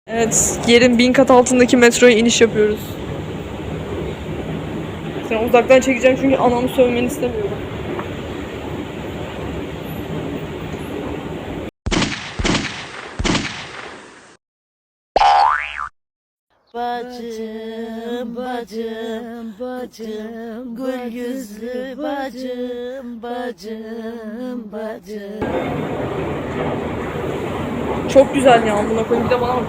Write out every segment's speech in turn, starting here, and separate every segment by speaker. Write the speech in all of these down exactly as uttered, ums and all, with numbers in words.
Speaker 1: Evet, yerin bin kat altındaki metroya iniş yapıyoruz. Sen uzaktan çekeceğim çünkü anamı sövmeni istemiyorum.
Speaker 2: Bacım, bacım, bacım, gül yüzlü bacım, bacım, bacım.
Speaker 1: Çok güzel ya, buna koyayım, bir de bana bak.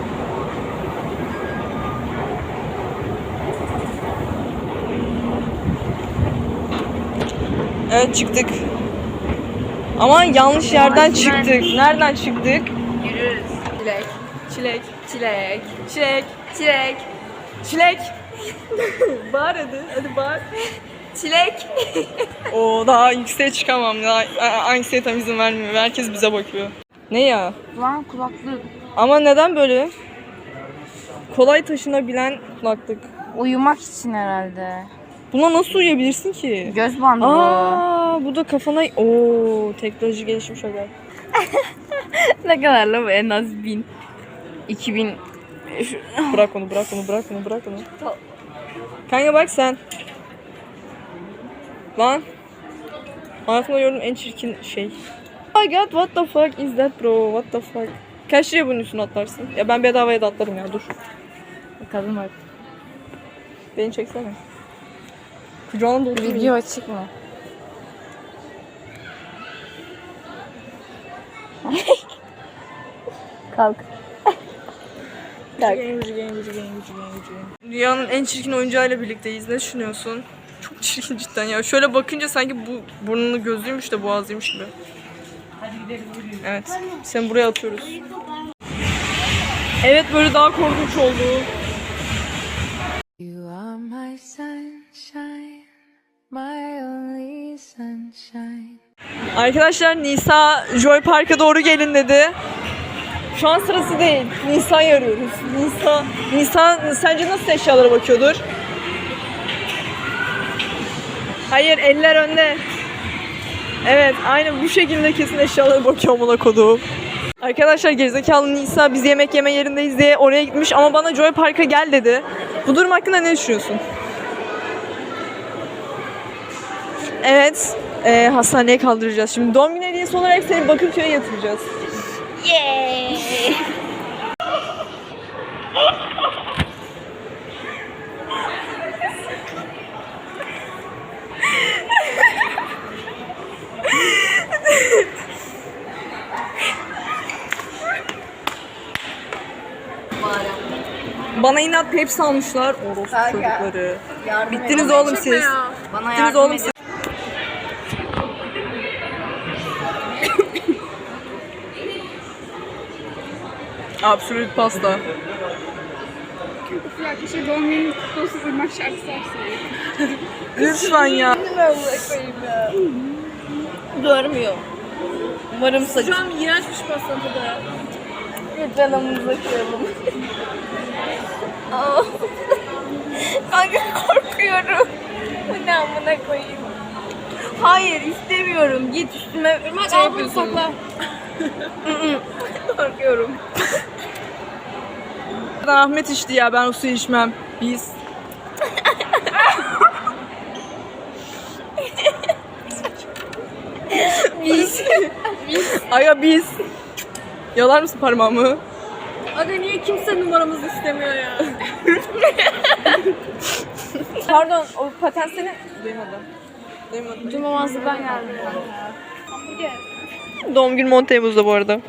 Speaker 1: Evet, çıktık. Ama yanlış yerden çıktık. Nereden çıktık?
Speaker 2: Yürürüz. Çilek,
Speaker 1: Çilek.
Speaker 2: çilek,
Speaker 1: Çilek.
Speaker 2: çilek,
Speaker 1: Çilek. Bağır hadi. Hadi bağır.
Speaker 2: çilek.
Speaker 1: Oo, daha yükseğe çıkamam. Daha anksiyetem izin vermiyor. Herkes bize bakıyor. Ne ya?
Speaker 2: Lan kulaklık.
Speaker 1: Ama neden böyle? Kolay taşınabilen kulaklık.
Speaker 2: Uyumak için herhalde.
Speaker 1: Buna nasıl uyuyabilirsin ki?
Speaker 2: Göz bandı bu.
Speaker 1: Aa, bu da kafana... Oo, teknoloji gelişmiş aga.
Speaker 2: Ne kadar la bu? En az bin. İki bin.
Speaker 1: Bırak onu, bırak onu, bırak onu, bırak onu. Kanka bak sen. Lan. Hayatımda gördüğüm en çirkin şey. Oh my god, what the fuck is that bro? What the fuck? Kaç liraya bunun üstüne atlarsın? Ya ben bedavaya da atlarım ya, dur.
Speaker 2: Kadın var.
Speaker 1: Beni çeksene. Kucağına da oturuyor.
Speaker 2: Video açık mı? Kalk.
Speaker 1: Dünyanın en çirkin oyuncağıyla birlikteyiz. Ne düşünüyorsun? Çok çirkin cidden ya. Şöyle bakınca sanki bu burnunu gözlüymüş de boğazlıymış gibi. Evet. Seni buraya atıyoruz. Evet, böyle daha korkunç oldu.
Speaker 3: You are my sunshine, my only sunshine.
Speaker 1: Arkadaşlar, Nisa Joy Park'a doğru gelin dedi. Şu an sırası değil. Nisa'yı arıyoruz. Nisa, Nisa sence nasıl eşyalara bakıyordur? Hayır, eller önde. Evet, aynen bu şekilde kesin eşyalara bakıyor amına koduğum. Arkadaşlar, gerizekalı Nisa biz yemek yeme yerindeyiz diye oraya gitmiş ama bana Joy Park'a gel dedi. Bu durum hakkında ne düşünüyorsun? Evet, e, hastaneye kaldıracağız. Şimdi doğum günü hediyesi olarak seni Bakırköy'e yatıracağız.
Speaker 2: Yeah.
Speaker 1: Bana inat Pepsi almışlar. Orospu çocukları. Bittiniz oğlum siz.
Speaker 2: Bana
Speaker 1: Bittiniz
Speaker 2: yardım
Speaker 1: oğlum
Speaker 2: edin.
Speaker 1: siz. Absolut pasta.
Speaker 4: Arkadaşlar doğum günü kutlu olsun, Irmak şarkısı açsın.
Speaker 1: Lütfen ya.
Speaker 2: Görmüyor. Umarım saçı.
Speaker 4: Şu an iğrençmiş pastanın tadı.
Speaker 2: Canımızı kıralım. Aa. Kanka korkuyorum. Bu ne amına koyayım. Hayır istemiyorum. Git üstüme
Speaker 4: Irmak
Speaker 2: şey
Speaker 4: al bunu
Speaker 2: yapıyorsun.
Speaker 4: sakla.
Speaker 2: Korkuyorum.
Speaker 1: Ahmet içti ya, ben o suyu içmem. Biz.
Speaker 2: Biz.
Speaker 1: Aga biz. Yalar mısın parmağımı?
Speaker 4: Aga niye kimse numaramızı istemiyor ya?
Speaker 1: Pardon, o paten senin... Duymadım. Duymadım.
Speaker 4: Cumamazlıktan geldim ben.
Speaker 1: Doğum günüm on Temmuz'da bu arada.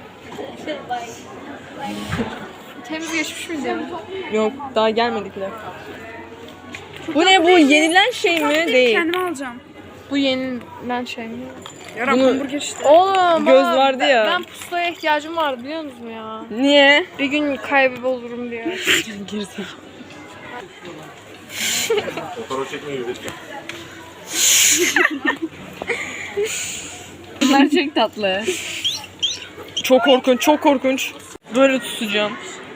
Speaker 4: Temiz geçmiş miyiz ya?
Speaker 1: Yok, daha gelmedik bile. Bu ne, bu yenilen şey mi? Değil.
Speaker 4: Kendime alacağım.
Speaker 2: Bu yenilen şey mi?
Speaker 4: Yarın
Speaker 1: Bunu-
Speaker 4: hamburger işte.
Speaker 2: Oğlum
Speaker 1: Göz
Speaker 2: bana-
Speaker 1: vardı ya.
Speaker 2: Ben pusulaya ihtiyacım vardı biliyor musun ya?
Speaker 1: Niye?
Speaker 2: Bir gün kaybolurum diye.
Speaker 1: Gerizekalı.
Speaker 5: Fotoğraf çekmeyi lütfen.
Speaker 2: Bunlar çok tatlı.
Speaker 1: Çok korkunç, çok korkunç. Böyle tutacağım.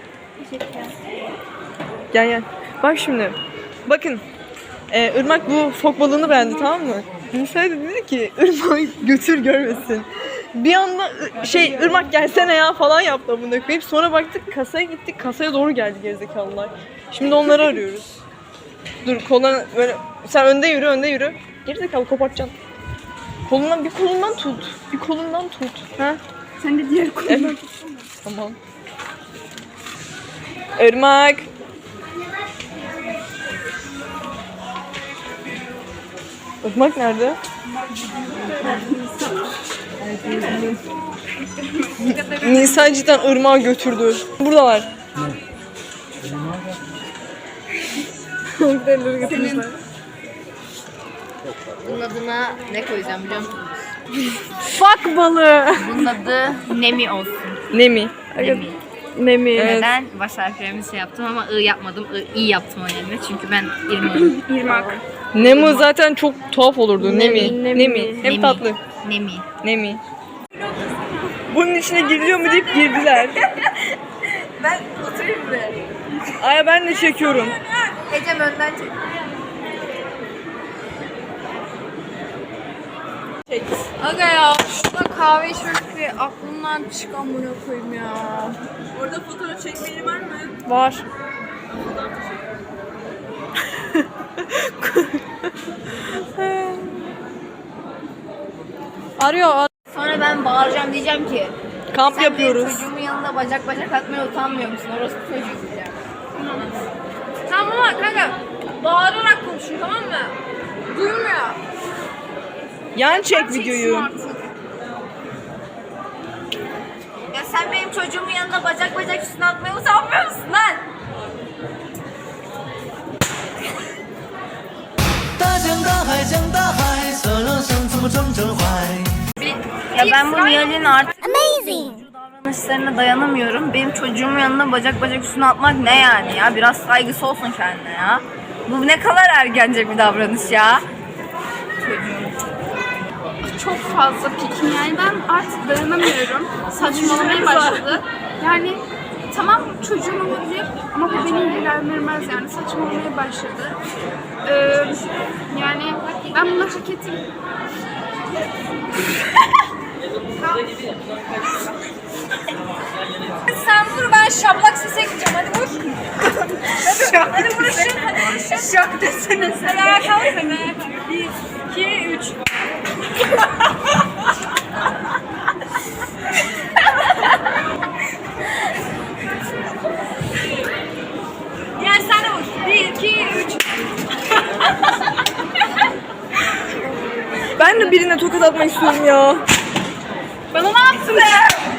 Speaker 1: Gel gel. Bak şimdi. Bakın. Ee, Irmak bu fok balığını beğendi, tamam mı? Nisa dedi ki Irmak götür görmesin. Bir anda ı- şey Irmak gelsene ya falan yaptı amına koyayım. Sonra baktık kasaya gittik. Kasaya doğru geldi gerizekalılar. Şimdi onları arıyoruz. Dur koluna böyle sen önde yürü önde yürü. Gerizekalı kopartacaksın. Kolundan bir kolundan tut. Bir kolundan tut. Ha?
Speaker 4: Sen de diğer kolundan
Speaker 1: Evet. Tamam. Irmak. Irmak nerede? Nisa cidden Irmak'ı götürdü. Buradalar. Senin.
Speaker 2: Bunun adına ne koyacağım biliyor musunuz?
Speaker 1: Fuck balığı.
Speaker 2: Bunun adı Nemi olsun.
Speaker 1: Nemi.
Speaker 2: Nemi.
Speaker 1: Nemi. Evet.
Speaker 2: Neden? Baş harflerimi şey yaptım ama I yapmadım. I, I yaptım o yerine. Çünkü ben İrmak'ım.
Speaker 4: irmak.
Speaker 1: Nemi zaten çok tuhaf olurdu. Nemi.
Speaker 2: Nemi.
Speaker 1: Nemi. Hem
Speaker 2: Nemi.
Speaker 1: tatlı.
Speaker 2: Nemi.
Speaker 1: Nemi. Bunun içine giriliyor mu deyip girdiler.
Speaker 2: Ben oturayım buraya.
Speaker 1: Ay ben de çekiyorum.
Speaker 2: Ecem önden çek.
Speaker 4: Aga ya şurada kahve içmek fikri aklımdan çıkan bunu koyayım ya.
Speaker 1: Orada fotoğraf çekmeli var mı?
Speaker 4: Var. Arıyor. ar-
Speaker 2: Sonra ben bağıracağım diyeceğim ki
Speaker 1: Kamp
Speaker 2: sen
Speaker 1: yapıyoruz.
Speaker 2: benim çocuğumun yanında bacak bacak atmaya utanmıyor musun? Orası çocuğu diyeceğim.
Speaker 4: Tamam ama kanka bağırarak konuşun tamam mı? Duymuyor.
Speaker 1: Yan çek videoyu.
Speaker 2: Ya sen benim çocuğumun yanında bacak bacak üstüne atmaya utanmıyor musun lan?
Speaker 6: 大江大海江大海，色若生怎么装着怀？
Speaker 2: Ya ben bu Nihal'in artık davranışlarına dayanamıyorum. Benim çocuğumun yanında bacak bacak üstüne atmak ne yani ya? Biraz saygısı olsun kendine ya. Bu ne kadar ergence bir davranış ya.
Speaker 4: Çok fazla pikim yani ben artık dayanamıyorum. Saçmalamaya başladı. Yani tamam çocuğum olabilir ama bu beni ilgilendirmez yani saçmalamaya başladı. Ee, yani ben bunu hak ettim. Sen vur ben şablak sese gideceğim hadi vur. hadi, hadi vuruşun hadi vuruşun. Şak desene sen. Hadi ayağa kalk sen ayağa kalk. Bir, iki, üç. Gel sen de vur. Bir, iki, üç.
Speaker 1: Ben de birine tokat atmak istiyorum ya.
Speaker 4: Bana ne yaptın be?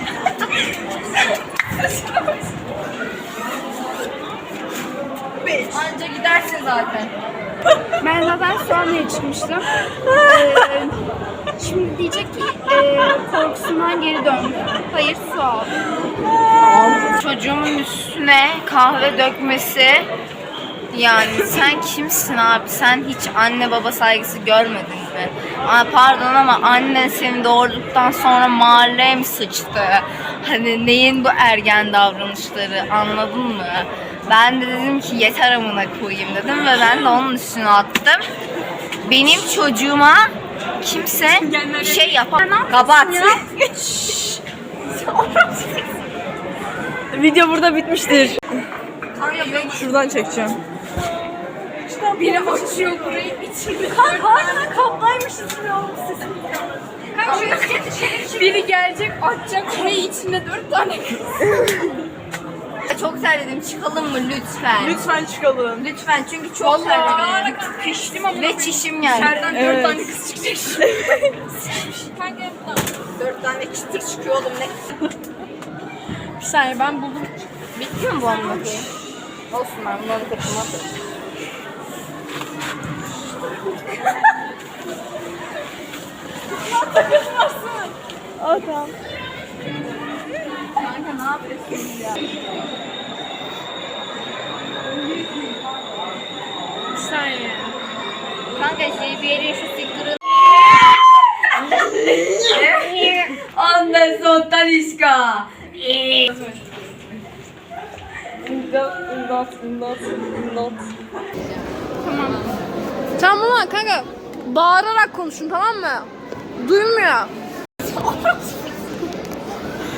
Speaker 2: Anca gidersin zaten.
Speaker 4: Ben zaten sahneye çıkmıştım. Ee, şimdi diyecek ki e, korkusundan geri döndü. Hayır su al.
Speaker 2: Çocuğumun üstüne kahve dökmesi yani sen kimsin abi? Sen hiç anne baba saygısı görmedin mi? Aa, pardon ama annen seni doğurduktan sonra mahalleye mi sıçtı? Hani neyin bu ergen davranışları anladın mı? Ben de dedim ki yeter amına koyayım dedim ve ben de onun üstüne attım. Benim çocuğuma kimse şey yapamaz. Kapat.
Speaker 1: Video burada bitmiştir. Şuradan çekeceğim.
Speaker 4: Biri açıyor burayı içinde. Kanka harbiden kaplaymışız ya sesim. Kanka biri gelecek açacak burayı içinde dört tane kız.
Speaker 2: Çok terledim. Çıkalım mı lütfen?
Speaker 1: Lütfen çıkalım.
Speaker 2: Lütfen çünkü çok terledim.
Speaker 4: Vallahi piştim ama
Speaker 2: Ve çişim geldi.
Speaker 4: içeriden
Speaker 1: Evet.
Speaker 4: dört tane kız çıkacak. Kanka
Speaker 2: Dört tane çıtır çıkıyor oğlum ne?
Speaker 4: bir saniye ben buldum.
Speaker 2: Bitti mi bu amına koyayım? Olsun ben bunları takıma atarım.
Speaker 1: Aa tamam.
Speaker 2: Kanka ne yapıyorsun ya?
Speaker 4: Bir saniye.
Speaker 2: Kanka şey bir yere şu sticker'ı... Ondan sontan işka.
Speaker 1: İmdat, imdat, imdat, imdat.
Speaker 4: Tamam ama kanka bağırarak konuşun tamam mı? Duymuyor.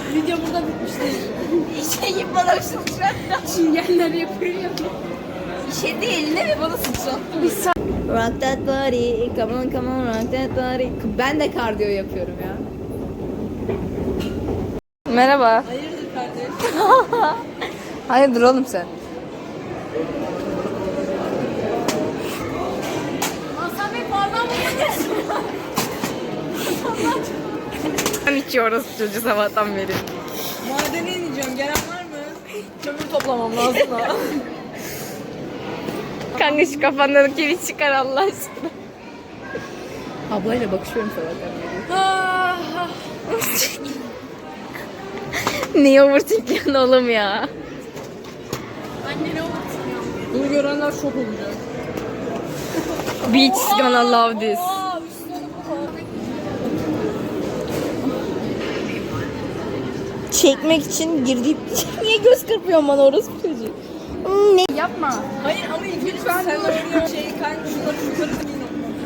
Speaker 4: Video burada bitmiştir.
Speaker 2: Şeyi bana sıçrattı.
Speaker 4: Çingenler yapıyor ya.
Speaker 2: Şey değil ne mi bana sıçrattı. Rock that body, come on come on rock that body. Ben de kardiyo yapıyorum ya. Merhaba.
Speaker 1: Hayırdır kardeş?
Speaker 2: Hayırdır oğlum sen?
Speaker 4: Hasan Bey pardon
Speaker 2: Ben içiyoruz çocuğu sabahtan beri.
Speaker 1: Madene ineceğim. Gelen var mı? Kömür toplamam lazım da.
Speaker 2: Kanka şu kafandan kiri çıkar Allah aşkına. Ablayla bakışıyorum sabahtan beri.
Speaker 1: Ah,
Speaker 2: Niye overthinkiyorsun oğlum ya?
Speaker 4: Annene oturtuyor.
Speaker 1: Bunu görenler şok olacak.
Speaker 2: Bitch gonna love this. Çekmek için girdiğim niye göz kırpıyorsun bana orası çocuğu? Ne?
Speaker 4: Yapma.
Speaker 1: Hayır ama ilk önce sen öyle şey kanka şunları şunları giyin.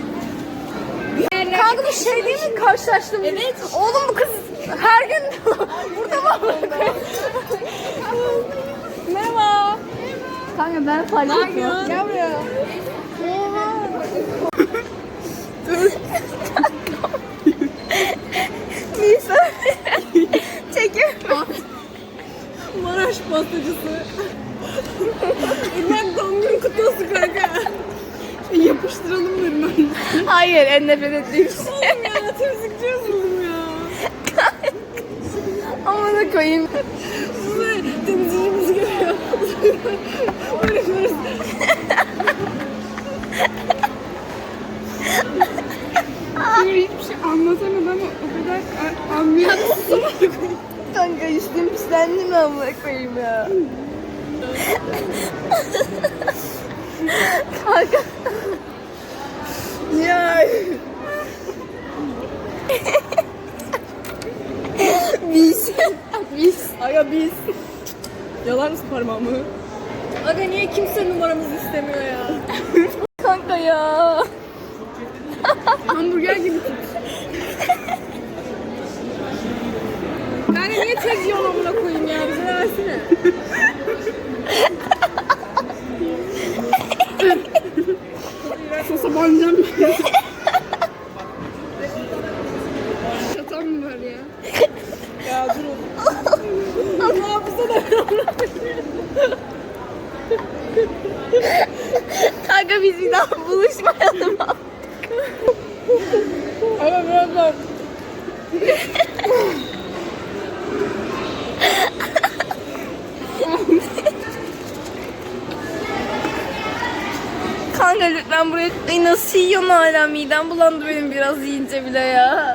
Speaker 4: Kanka bu şey değil mi karşılaştım? Evet. Oğlum bu kız her gün burada mı?
Speaker 1: Merhaba.
Speaker 4: Kanka ben fark etmiyorum.
Speaker 1: Gel buraya.
Speaker 2: Nisa. Çekiyorum.
Speaker 1: Maraş pastacısı. İlmek doğum günü kutlu olsun kanka. Yapıştıralım dedim ben.
Speaker 2: Hayır en nefret ettiğim şey.
Speaker 1: Oğlum ya temizlikçi yazıldım ya.
Speaker 2: Amına koyayım.
Speaker 1: Size temizliğimiz geliyor. Uğraşıyoruz.
Speaker 4: Hiçbir şey anlatamadım ama o kadar anlayamazsın.
Speaker 2: Kanka üstüm pislendi mi amına koyayım ya? Kanka.
Speaker 1: Ya.
Speaker 2: Biz. Biz.
Speaker 1: Aga biz. Yalar mısın parmağımı? Aga niye kimse numaramızı istemiyor ya?
Speaker 2: Kanka ya.
Speaker 4: Hamburger gibi tut.
Speaker 1: Kanka niye tek yol amına koyayım ya? Bize de versene.
Speaker 4: Sosa banacağım. Şatan mı var ya?
Speaker 1: Ya durun. Ne yapsa da
Speaker 2: Kanka biz bir daha buluşmayalım.
Speaker 1: Aga biraz daha.
Speaker 2: Kanka lütfen buraya... Ay nasıl yiyorsun hala? Midem bulandı benim biraz yiyince bile ya.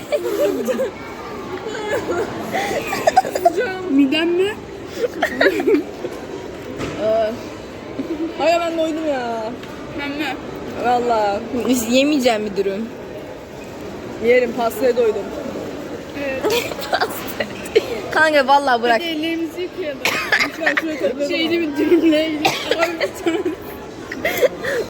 Speaker 4: Midem mi?
Speaker 1: Aga ben doydum ya.
Speaker 4: Ben mi?
Speaker 1: Valla.
Speaker 2: Yemeyeceğim bir dürüm.
Speaker 1: Yerim pastaya doydum.
Speaker 2: Kanka vallahi bırak.
Speaker 4: Ellerimizi yıkayalım.
Speaker 1: Lütfen şuraya toplayalım.
Speaker 4: Şeyli bir dürümle ilgili. Abi bir tane